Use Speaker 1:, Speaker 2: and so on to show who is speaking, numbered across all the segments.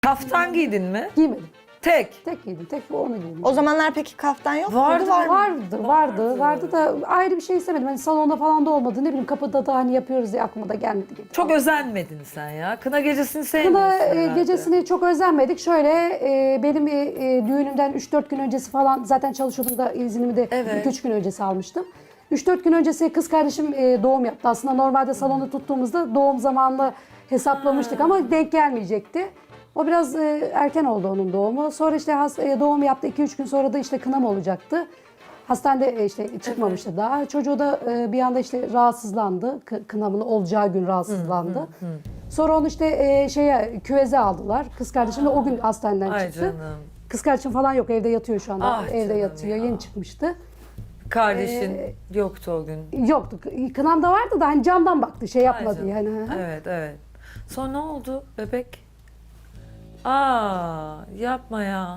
Speaker 1: Kaftan giydin mi?
Speaker 2: Giymedim.
Speaker 1: Tek.
Speaker 2: Tek giydim. Tek onu giydim.
Speaker 3: O zamanlar peki kaftan yok
Speaker 1: Vardı,
Speaker 3: muydu? Var mı?
Speaker 2: Vardı da ayrı bir şey istemedim. Hani salonda falan da olmadı. Ne bileyim kapıda da hani yapıyoruz diye aklıma da gelmedi.
Speaker 1: Çok özenmedin sen ya. Kına gecesini sevmiyorsun
Speaker 2: Kına
Speaker 1: herhalde.
Speaker 2: gecesini çok özenmedik. Şöyle benim düğünümden 3-4 gün öncesi falan zaten çalışıyordum da iznimi de
Speaker 1: Evet.
Speaker 2: 2-3 gün öncesi almıştım. 3-4 gün öncesi kız kardeşim doğum yaptı. Aslında normalde salonu tuttuğumuzda doğum zamanını hesaplamıştık ama denk gelmeyecekti. O biraz erken oldu onun doğumu. Sonra işte doğum yaptı. 2-3 gün sonra da işte kınam olacaktı. Hastanede işte çıkmamıştı daha. Çocuğu da bir anda işte rahatsızlandı. Kınamın olacağı gün rahatsızlandı. Sonra onu işte küveze aldılar. Kız kardeşim de o gün hastaneden
Speaker 1: Ay
Speaker 2: çıktı.
Speaker 1: canım.
Speaker 2: Kız kardeşim falan yok, evde yatıyor şu anda.
Speaker 1: Ah
Speaker 2: Evde
Speaker 1: canım
Speaker 2: yatıyor.
Speaker 1: ya.
Speaker 2: Yeni çıkmıştı.
Speaker 1: Kardeşin yoktu o gün.
Speaker 2: Yoktu. Kınam da vardı da hani camdan baktı, şey
Speaker 1: Ay
Speaker 2: yapmadı
Speaker 1: canım.
Speaker 2: yani.
Speaker 1: Evet, evet. Sonra ne oldu bebek? Aa, yapma ya.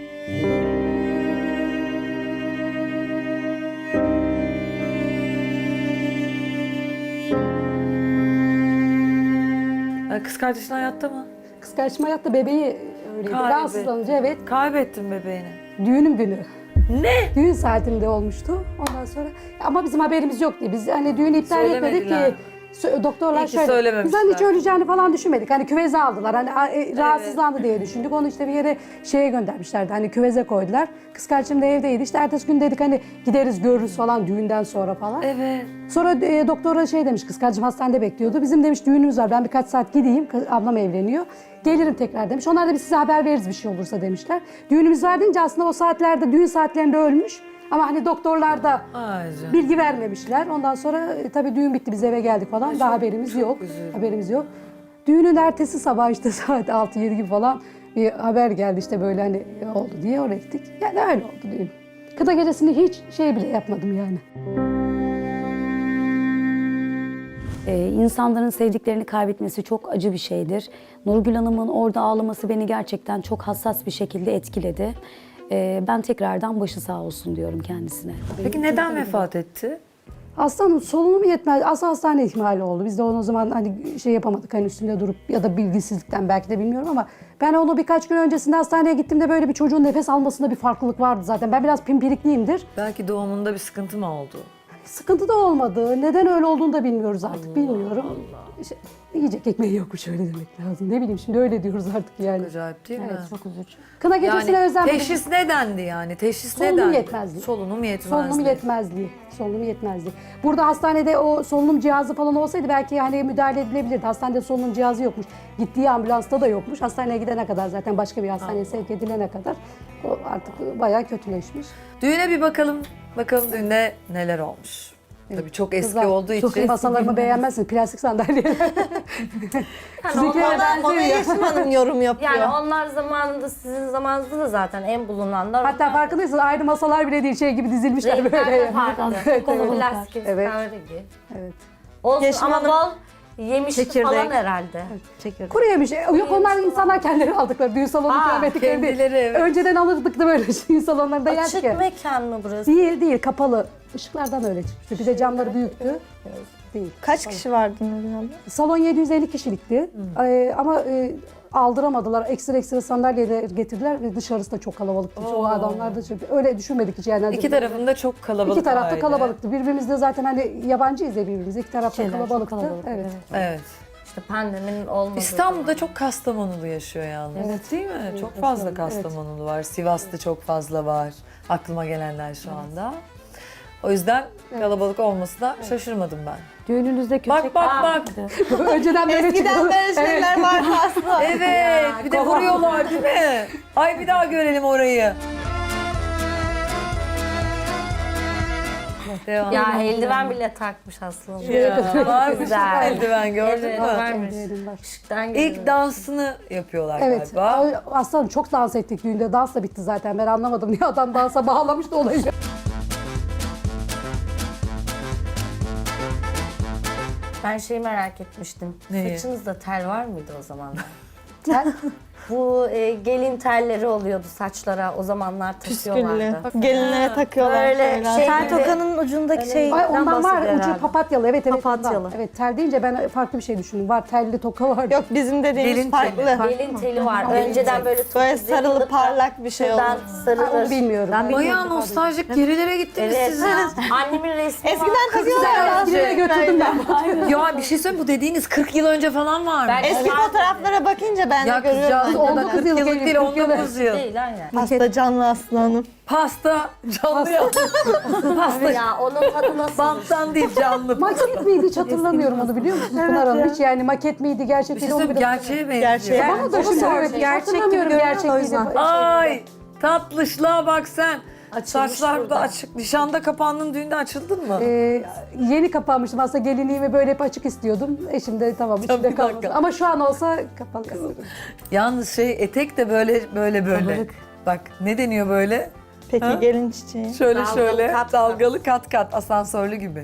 Speaker 1: Kız kardeşin hayatta mı?
Speaker 2: Kız kardeşim hayatta, bebeği öyleydi.
Speaker 1: Kaybet.
Speaker 2: Rahatsızlanınca evet.
Speaker 1: Kaybettin bebeğini.
Speaker 2: Düğünüm günü.
Speaker 1: Ne?
Speaker 2: Düğün saatinde olmuştu. Ondan sonra ama bizim haberimiz yoktu. Biz hani düğünü iptal etmedik
Speaker 1: Söylemediler.
Speaker 2: ki. Doktorlar
Speaker 1: İyi ki
Speaker 2: şöyle. Biz
Speaker 1: söylememişler.
Speaker 2: hani hiç öleceğini falan düşünmedik. Hani küveze aldılar. Hani rahatsızlandı diye düşündük. Onu işte bir yere şeye göndermişlerdi. Hani küveze koydular. Kız kardeşim de evdeydi. İşte ertesi gün dedik hani gideriz görürüz falan düğünden sonra falan.
Speaker 1: Evet.
Speaker 2: Sonra doktora şey demiş, kız kardeşim hastanede bekliyordu. Bizim demiş düğünümüz var, ben birkaç saat gideyim, ablam evleniyor. Gelirim tekrar demiş. Onlar da biz size haber veririz bir şey olursa demişler. Düğünümüz var deyince aslında o saatlerde, düğün saatlerinde ölmüş. Ama hani doktorlar da
Speaker 1: Ay canım.
Speaker 2: bilgi vermemişler. Ondan sonra tabii düğün bitti, biz eve geldik falan. Daha haberimiz yok.
Speaker 1: üzüldüm.
Speaker 2: Haberimiz yok. Düğünün ertesi sabah işte saat 6-7 gibi falan bir haber geldi işte böyle hani oldu diye, oraya gittik. Yani öyle oldu düğün. Kına gecesini hiç şey bile yapmadım yani.
Speaker 4: İnsanların sevdiklerini kaybetmesi çok acı bir şeydir. Nurgül Hanım'ın orada ağlaması beni gerçekten çok hassas bir şekilde etkiledi. Ben tekrardan başı sağ olsun diyorum kendisine.
Speaker 1: Peki neden vefat etti?
Speaker 2: Aslanım solunum yetmez. Aslı hastane ihmali oldu. Biz de onu o zaman hani şey yapamadık, hani üstünde durup ya da bilgisizlikten belki de bilmiyorum ama ben onu birkaç gün öncesinde hastaneye gittiğimde böyle bir çocuğun nefes almasında bir farklılık vardı zaten. Ben biraz pimpirikliyimdir.
Speaker 1: Belki doğumunda bir sıkıntı mı oldu?
Speaker 2: Sıkıntı da olmadı. Neden öyle olduğunu da bilmiyoruz artık. Bilmiyorum. İşte, yiyecek ekmeği yokmuş, öyle demek lazım. Ne bileyim, şimdi öyle diyoruz artık yani.
Speaker 1: Acayip değil mi?
Speaker 2: Evet, çok üzücü. Kına gecesine
Speaker 1: Yani
Speaker 2: özenmedim.
Speaker 1: teşhis nedendi yani? Teşhis
Speaker 2: Solunum
Speaker 1: nedendi?
Speaker 2: yetmezliği.
Speaker 1: Solunum yetmezliği.
Speaker 2: Solunum yetmezliği. Solunum yetmezliği. Burada hastanede o solunum cihazı falan olsaydı belki hani müdahale edilebilirdi. Hastanede solunum cihazı yokmuş. Gittiği ambulansta da yokmuş. Hastaneye gidene kadar, zaten başka bir hastaneye sevk edilene kadar o artık bayağı kötüleşmiş.
Speaker 1: Düğüne bir bakalım. Bakalım düğünde neler olmuş. Tabii çok eski
Speaker 2: Kızlar,
Speaker 1: olduğu
Speaker 2: çok
Speaker 1: için.
Speaker 2: masalarımı beğenmezsiniz. Plastik sandalye. Sizinkiler
Speaker 3: Ona
Speaker 2: benziyor ya.
Speaker 3: Yeşim Hanım yorum yapıyor.
Speaker 5: Yani onlar zamanında, sizin zamanınızda da zaten en bulunanlar.
Speaker 2: Hatta farkındaysanız ayrı masalar bile değil, şey gibi dizilmişler böyle.
Speaker 5: renkler de farklı.
Speaker 2: Evet,
Speaker 5: Plastik,
Speaker 2: Evet.
Speaker 5: kahverengi.
Speaker 2: Evet.
Speaker 5: Olsun
Speaker 3: Yeşim
Speaker 5: ama
Speaker 3: Hanım-
Speaker 5: bol yemişli
Speaker 3: Çekirdek.
Speaker 5: falan herhalde.
Speaker 3: Çekirdek.
Speaker 2: Kuru yemiş. Yok, onlar insanlar kendileri aldıkları. Düğün salonu ikram ettikleri değil.
Speaker 1: kendileri, evet.
Speaker 2: Önceden alırdık da böyle düğün salonlarında yerdik
Speaker 5: Açık
Speaker 2: ya.
Speaker 5: mekan mı burası?
Speaker 2: Değil, kapalı. Işıklardan öyle çıkmıştı. Bir de camları büyüktü. Değil.
Speaker 3: Kaç kişi vardı Nurgül abla?
Speaker 2: Salon 750 kişilikti. Ama aldıramadılar. Ekstra sandalye de getirdiler ve dışarısı da çok kalabalıktı. O adamlar da öyle düşünmedik hiç yani.
Speaker 1: İki tarafında çok kalabalık
Speaker 2: İki tarafta
Speaker 1: aile.
Speaker 2: kalabalıktı. Birbirimizde zaten hani yabancıyız ya birbirimize. İki tarafta
Speaker 4: Şeyler çok
Speaker 2: kalabalıktı.
Speaker 4: kalabalık,
Speaker 2: Evet.
Speaker 1: Evet.
Speaker 5: İşte pandeminin olmadığı
Speaker 1: İstanbul'da
Speaker 5: zaman.
Speaker 1: çok Kastamonulu yaşıyor yalnız.
Speaker 2: Evet.
Speaker 1: Değil mi? Çok fazla Kastamonulu var. Sivas'ta çok fazla var. Aklıma gelenler şu anda. O yüzden kalabalık olmasına şaşırmadım ben.
Speaker 4: Düğününüzde köpek...
Speaker 1: Bak.
Speaker 2: Önceden böyle
Speaker 3: Eskiden
Speaker 2: çıkıyordu.
Speaker 3: böyle şeyler vardı aslında.
Speaker 1: Evet, bir de vuruyorlar değil mi? Ay bir daha görelim orayı. Devam.
Speaker 5: Ya eldiven bile takmış aslında.
Speaker 1: Ya, varmış
Speaker 5: Güzel.
Speaker 1: eldiven gördün
Speaker 5: Evet,
Speaker 1: mü?
Speaker 5: varmış.
Speaker 2: Eldivenim var.
Speaker 5: Işıktan geliyor.
Speaker 1: İlk dansını yapıyorlar
Speaker 2: Evet.
Speaker 1: galiba.
Speaker 2: Aslanım çok dans ettik düğünde. Dans da bitti zaten. Ben anlamadım niye adam dansa bağlamış da olayı.
Speaker 5: Ben şeyi merak etmiştim.
Speaker 1: Neyi?
Speaker 5: Saçınızda tel var mıydı o zamanlar?
Speaker 2: Tel,
Speaker 5: Bu gelin telleri oluyordu saçlara. O zamanlar
Speaker 3: Püsküllü.
Speaker 5: takıyorlardı.
Speaker 3: Gelinlere takıyorlar.
Speaker 5: Böyle
Speaker 3: şeyler.
Speaker 5: şey-
Speaker 6: Tel tokanın ucundaki şeyden
Speaker 2: Ay ondan var
Speaker 6: bahsediyor
Speaker 2: ucu
Speaker 6: herhalde.
Speaker 2: papatyalı. Evet evet.
Speaker 6: Papatyalı.
Speaker 2: ondan. Evet tel deyince ben farklı bir şey düşündüm. Var telli toka var.
Speaker 3: Yok bizim dediğimiz
Speaker 1: Gelin
Speaker 3: farklı.
Speaker 5: Gelin teli var. Önceden böyle
Speaker 3: Böyle
Speaker 5: topuz
Speaker 3: sarılı
Speaker 5: yapılıp da
Speaker 3: parlak bir şey olur.
Speaker 5: şuradan
Speaker 2: Onu
Speaker 5: sarılır.
Speaker 2: bilmiyorum.
Speaker 1: Bayağı nostaljik gerilere gittiniz
Speaker 5: Evet.
Speaker 1: siz ya.
Speaker 5: Annemin resmi var.
Speaker 3: Eskiden takıyorlar.
Speaker 2: Eskilere götürdüm ben.
Speaker 1: Ya bir şey söyleyeyim, bu dediğiniz 40 yıl önce falan var mı?
Speaker 5: Ben-
Speaker 3: Eski fotoğraflara bakınca ben de
Speaker 1: Ya kızcağız
Speaker 3: görüyorum.
Speaker 1: o da
Speaker 2: 19
Speaker 1: 40
Speaker 2: yıl
Speaker 1: yıllık
Speaker 2: gelin,
Speaker 1: değil,
Speaker 2: 40 yıl.
Speaker 1: 19 yıl.
Speaker 5: Değil aynen.
Speaker 3: Hasta canlı aslanım.
Speaker 1: Pasta canlı ya. Pasta
Speaker 5: Ya onun tadı nasıl?
Speaker 1: banttan değil canlı.
Speaker 2: Maket miydi hiç hatırlamıyorum onu biliyor musun Pınar Hanım? Hiç yani maket miydi gerçek
Speaker 1: Bir şey
Speaker 2: miydi onu
Speaker 1: söyleyeyim,
Speaker 2: bile
Speaker 1: gerçeğe benziyor.
Speaker 3: Gerçeğe.
Speaker 2: Bana da şimdi evet
Speaker 6: Gerçek gibi
Speaker 2: hatırlamıyorum
Speaker 6: görünüyor,
Speaker 2: gerçek
Speaker 6: o
Speaker 2: miydi.
Speaker 6: yüzden.
Speaker 1: Ay tatlışlığa bak sen.
Speaker 5: Açılmış
Speaker 1: Saçlar
Speaker 5: burada.
Speaker 1: da açık. Nişanda kapandın, düğünde açıldın mı?
Speaker 2: Yeni kapanmıştım aslında gelinliğimi böyle hep açık istiyordum. Eşim de tamam
Speaker 1: bir
Speaker 2: içinde kalmasın.
Speaker 1: dakika.
Speaker 2: Ama şu an olsa kapalı kalır.
Speaker 1: Yalnız etek de böyle. Bak ne deniyor böyle?
Speaker 3: Peki
Speaker 1: Ha?
Speaker 3: gelin çiçeği.
Speaker 1: Şöyle
Speaker 5: Dalgalı
Speaker 1: şöyle
Speaker 5: kat kat.
Speaker 1: dalgalı kat kat asansörlü gibi.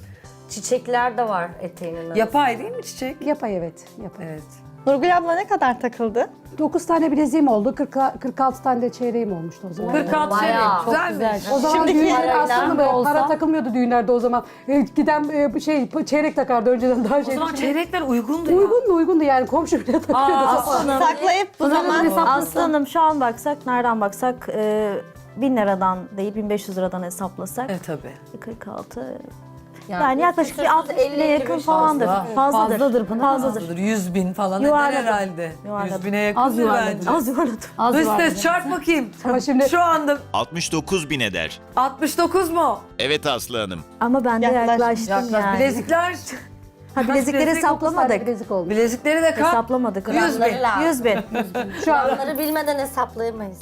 Speaker 5: Çiçekler de var eteğinin arasında.
Speaker 1: Yapay değil mi çiçek?
Speaker 2: Yapay evet. Yapay.
Speaker 1: Evet.
Speaker 3: Nurgül abla ne kadar takıldı?
Speaker 2: 9 tane bileziğim oldu. 46 tane de çeyreğim olmuştu o zaman.
Speaker 1: 46 şey
Speaker 5: Bayağı. Çok
Speaker 1: güzelmiş.
Speaker 2: O zaman
Speaker 3: Şimdiki
Speaker 2: düğünler
Speaker 5: parayla
Speaker 2: aslında böyle
Speaker 4: olsa-
Speaker 2: para takılmıyordu düğünlerde o zaman. Giden çeyrek takardı önceden daha
Speaker 1: O zaman
Speaker 2: şey.
Speaker 1: çeyrekler uygundu ya.
Speaker 2: Uygundu yani komşu bile takıyordu.
Speaker 3: Saklayıp bu zaman
Speaker 6: Aslanım şu an baksak, nereden baksak 1000 liradan değil 1500 liradan hesaplasak
Speaker 1: Evet tabii.
Speaker 6: 46. Yani yaklaşık bir 60
Speaker 5: 50
Speaker 6: bine yakın falandır.
Speaker 1: Fazla.
Speaker 6: Fazladır. Fazladır.
Speaker 1: 100.000 falan
Speaker 6: Yuvarladım.
Speaker 1: eder herhalde.
Speaker 6: Yuvarladım.
Speaker 1: 100.000'e yakın
Speaker 4: Az yuvarladım.
Speaker 1: bence.
Speaker 6: Az yuvarladım.
Speaker 4: Az
Speaker 1: Dış
Speaker 4: var.
Speaker 1: ses çarp bakayım.
Speaker 2: Ama şimdi
Speaker 1: Şu anda
Speaker 7: 69 bin eder.
Speaker 1: 69 mu?
Speaker 7: Evet Aslı Hanım.
Speaker 6: Ama ben de
Speaker 3: Yaklaş-
Speaker 6: yaklaştım
Speaker 1: Yaklaş.
Speaker 6: yani.
Speaker 1: Bilezikler.
Speaker 6: Ha, bilezikleri
Speaker 1: bilezik,
Speaker 6: hesaplamadık.
Speaker 2: bilezik oldu.
Speaker 1: Bilezikleri de kap.
Speaker 6: Hesaplamadık.
Speaker 1: 100 bin.
Speaker 5: Gramları lazım.
Speaker 6: 100 bin.
Speaker 2: Şu an
Speaker 5: Onları bilmeden hesaplayamayız.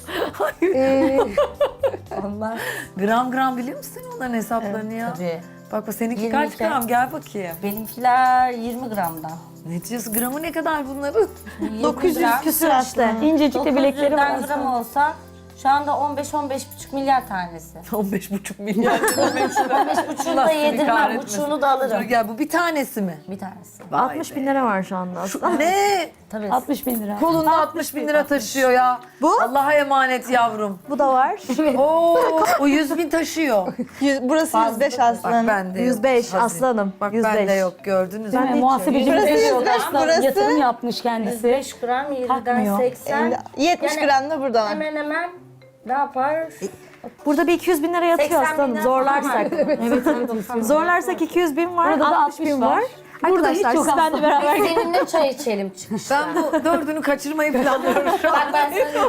Speaker 5: Onlar
Speaker 1: Gram gram biliyor musun onların hesaplarını ya?
Speaker 5: tabii.
Speaker 1: Bak seninki
Speaker 5: 22.
Speaker 1: kaç gram? Gel bakayım.
Speaker 5: Benimkiler 20 gramdan.
Speaker 1: Ne diyorsun? Gramı ne kadar bunların?
Speaker 3: 900 küsür işte.
Speaker 6: İncecik de bilekleri var.
Speaker 5: 900'den gram olsa şu anda 15-15,5 milyar tanesi.
Speaker 1: 15,5 milyar.
Speaker 5: 15,5'unu da yedirmem, buçuğunu da
Speaker 1: Dur
Speaker 5: alırım.
Speaker 1: gel bu bir tanesi mi?
Speaker 5: Bir tanesi.
Speaker 6: 60 bin lira var şu anda aslında.
Speaker 1: Ne?
Speaker 5: Tabii.
Speaker 4: 60 bin lira.
Speaker 1: Kolunda 60 bin lira taşıyor ya.
Speaker 6: Bu?
Speaker 1: Allah'a emanet yavrum.
Speaker 6: Bu da var.
Speaker 1: Oo, o 100 bin taşıyor.
Speaker 3: Burası 105
Speaker 1: Bak
Speaker 3: aslanım.
Speaker 1: bende yok.
Speaker 6: 105
Speaker 1: Hazine.
Speaker 6: aslanım.
Speaker 1: Bak
Speaker 6: 105.
Speaker 1: bende yok gördünüz mü?
Speaker 4: Değil mi? Muhasebeci
Speaker 3: Burası
Speaker 4: bize
Speaker 3: 105,
Speaker 4: aslında
Speaker 3: burası-
Speaker 4: yatırım yapmış kendisi.
Speaker 5: 5 gram 20'den
Speaker 4: Takmıyor.
Speaker 5: 80.
Speaker 3: 70
Speaker 5: Yani
Speaker 3: gram da burada var.
Speaker 5: Hemen hemen ne yapar?
Speaker 6: Burada bir 200 bin lira yatıyor
Speaker 5: 80
Speaker 6: aslanım.
Speaker 5: bin lira
Speaker 6: Zorlarsak.
Speaker 5: Evet.
Speaker 6: Zorlarsak 200 bin var.
Speaker 4: Burada da
Speaker 6: 60 bin var.
Speaker 4: Burada hiç
Speaker 6: Arkadaşlar
Speaker 4: yok
Speaker 6: siz benle
Speaker 4: aslında.
Speaker 6: beraber
Speaker 5: Seninle çay içelim çıkışta.
Speaker 1: Ben bu dördünü kaçırmayı planlıyorum şu an.
Speaker 5: Bak ben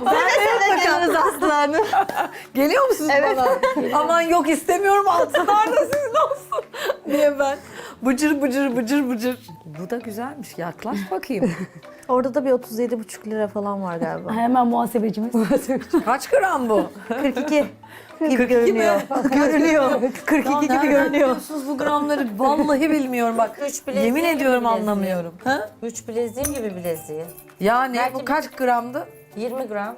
Speaker 5: sana
Speaker 3: Geliriz aslanım.
Speaker 1: Geliyor musunuz bana? Aman yok istemiyorum altılar da sizin olsun. Niye ben? Bıcır bıcır bıcır bıcır. Bu da güzelmiş. Yaklaş bakayım.
Speaker 6: Orada da bir 37,5 lira falan var galiba.
Speaker 4: Hemen muhasebecimiz.
Speaker 1: Kaç gram bu?
Speaker 6: 42 gibi
Speaker 1: 42
Speaker 6: görünüyor.
Speaker 1: mi?
Speaker 6: Görünüyor. 42 gibi
Speaker 1: Nereden
Speaker 6: görünüyor.
Speaker 1: biliyorsunuz bu gramları? Vallahi bilmiyorum bak.
Speaker 5: Üç bileziği
Speaker 1: Yemin
Speaker 5: gibi
Speaker 1: ediyorum
Speaker 5: bileziği.
Speaker 1: anlamıyorum. Ha?
Speaker 5: 3 bileziğim gibi bileziği.
Speaker 1: Yani
Speaker 5: Belki
Speaker 1: bu kaç gramdı?
Speaker 5: 20 gram.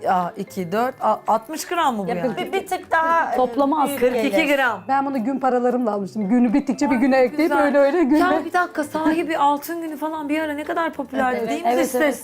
Speaker 1: 2, 4, 60 gram mı bu yani?
Speaker 5: Bir tık daha
Speaker 4: Toplama az.
Speaker 5: büyük
Speaker 1: 42
Speaker 5: gelir.
Speaker 1: gram.
Speaker 2: ben bunu gün paralarımla almıştım. Günü bittikçe bir güne ekleyip
Speaker 1: Güzel.
Speaker 2: öyle günle.
Speaker 1: Ya bir dakika sahibi altın günü falan bir ara ne kadar popülerdi
Speaker 5: Evet,
Speaker 1: değil mi
Speaker 4: evet,
Speaker 1: ses?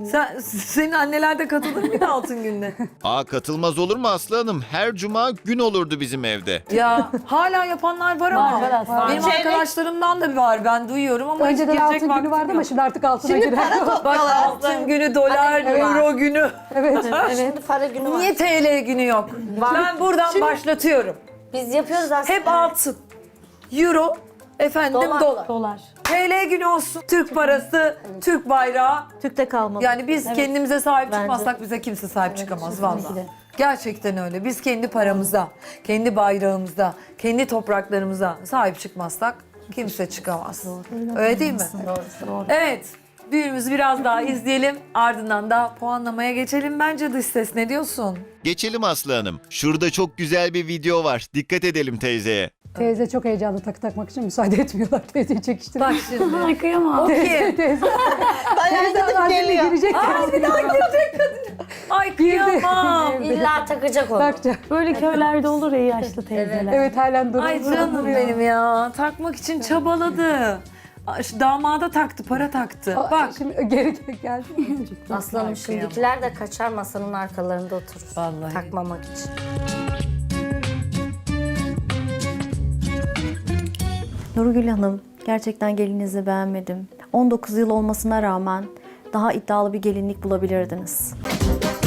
Speaker 1: Senin anneler de katılır mıydı altın gününe?
Speaker 7: Aa katılmaz olur mu Aslı Hanım? Her cuma gün olurdu bizim evde.
Speaker 1: Ya hala yapanlar var ama.
Speaker 4: Var aslında.
Speaker 1: Benim arkadaşlarımdan da var ben duyuyorum ama
Speaker 2: Önceden
Speaker 1: hiç girecek
Speaker 2: altın günü
Speaker 1: vaktim
Speaker 2: vardı ama
Speaker 1: yok.
Speaker 2: şimdi artık altına girer.
Speaker 1: Bak altın günü, dolar, euro günü.
Speaker 2: Evet.
Speaker 5: Şimdi para günü var.
Speaker 1: Niye TL günü yok? Ben buradan başlatıyorum.
Speaker 5: Biz yapıyoruz aslında.
Speaker 1: Hep altın, euro, efendim dolar.
Speaker 4: Dolar.
Speaker 1: TL günü olsun. Türk parası, Türk bayrağı.
Speaker 6: Türk'te kalmalı.
Speaker 1: Yani biz kendimize sahip
Speaker 6: Bence.
Speaker 1: çıkmazsak bize kimse sahip çıkamaz vallahi.
Speaker 4: kesinlikle.
Speaker 1: Gerçekten öyle. Biz kendi paramıza, kendi bayrağımıza, kendi topraklarımıza sahip çıkmazsak kimse çıkamaz. Öyle değil mi?
Speaker 4: Doğru.
Speaker 1: Evet. Düğünümüzü biraz daha izleyelim. Ardından da puanlamaya geçelim. Bence dış ses ne diyorsun?
Speaker 7: Geçelim Aslı Hanım. Şurada çok güzel bir video var. Dikkat edelim teyzeye.
Speaker 2: Teyze çok heyecanlı takı takmak için müsaade etmiyorlar. Teyzeyi çekiştirmek.
Speaker 1: Bak şimdi.
Speaker 4: Ay kıyamam.
Speaker 1: O kim?
Speaker 2: Teyze
Speaker 3: Bayağı gidip
Speaker 2: annene
Speaker 3: geliyor.
Speaker 2: girecek.
Speaker 1: Aa, bir daha girecek kadın. Ay kıyamam.
Speaker 5: İlla takacak onu.
Speaker 2: Takacak.
Speaker 4: Böyle köylerde olur ya yaşlı teyzeler.
Speaker 2: Evet halen duruyor.
Speaker 1: Ay canım benim ya. Takmak için çabaladı. Damada taktı, para taktı. Bak.
Speaker 2: Şimdi geri geldi.
Speaker 5: Aslanım şimdikiler de kaçar masanın arkalarında oturur.
Speaker 1: Vallahi.
Speaker 5: Takmamak için.
Speaker 6: Nurgül Hanım, gerçekten gelininizi beğenmedim. 19 yıl olmasına rağmen daha iddialı bir gelinlik bulabilirdiniz.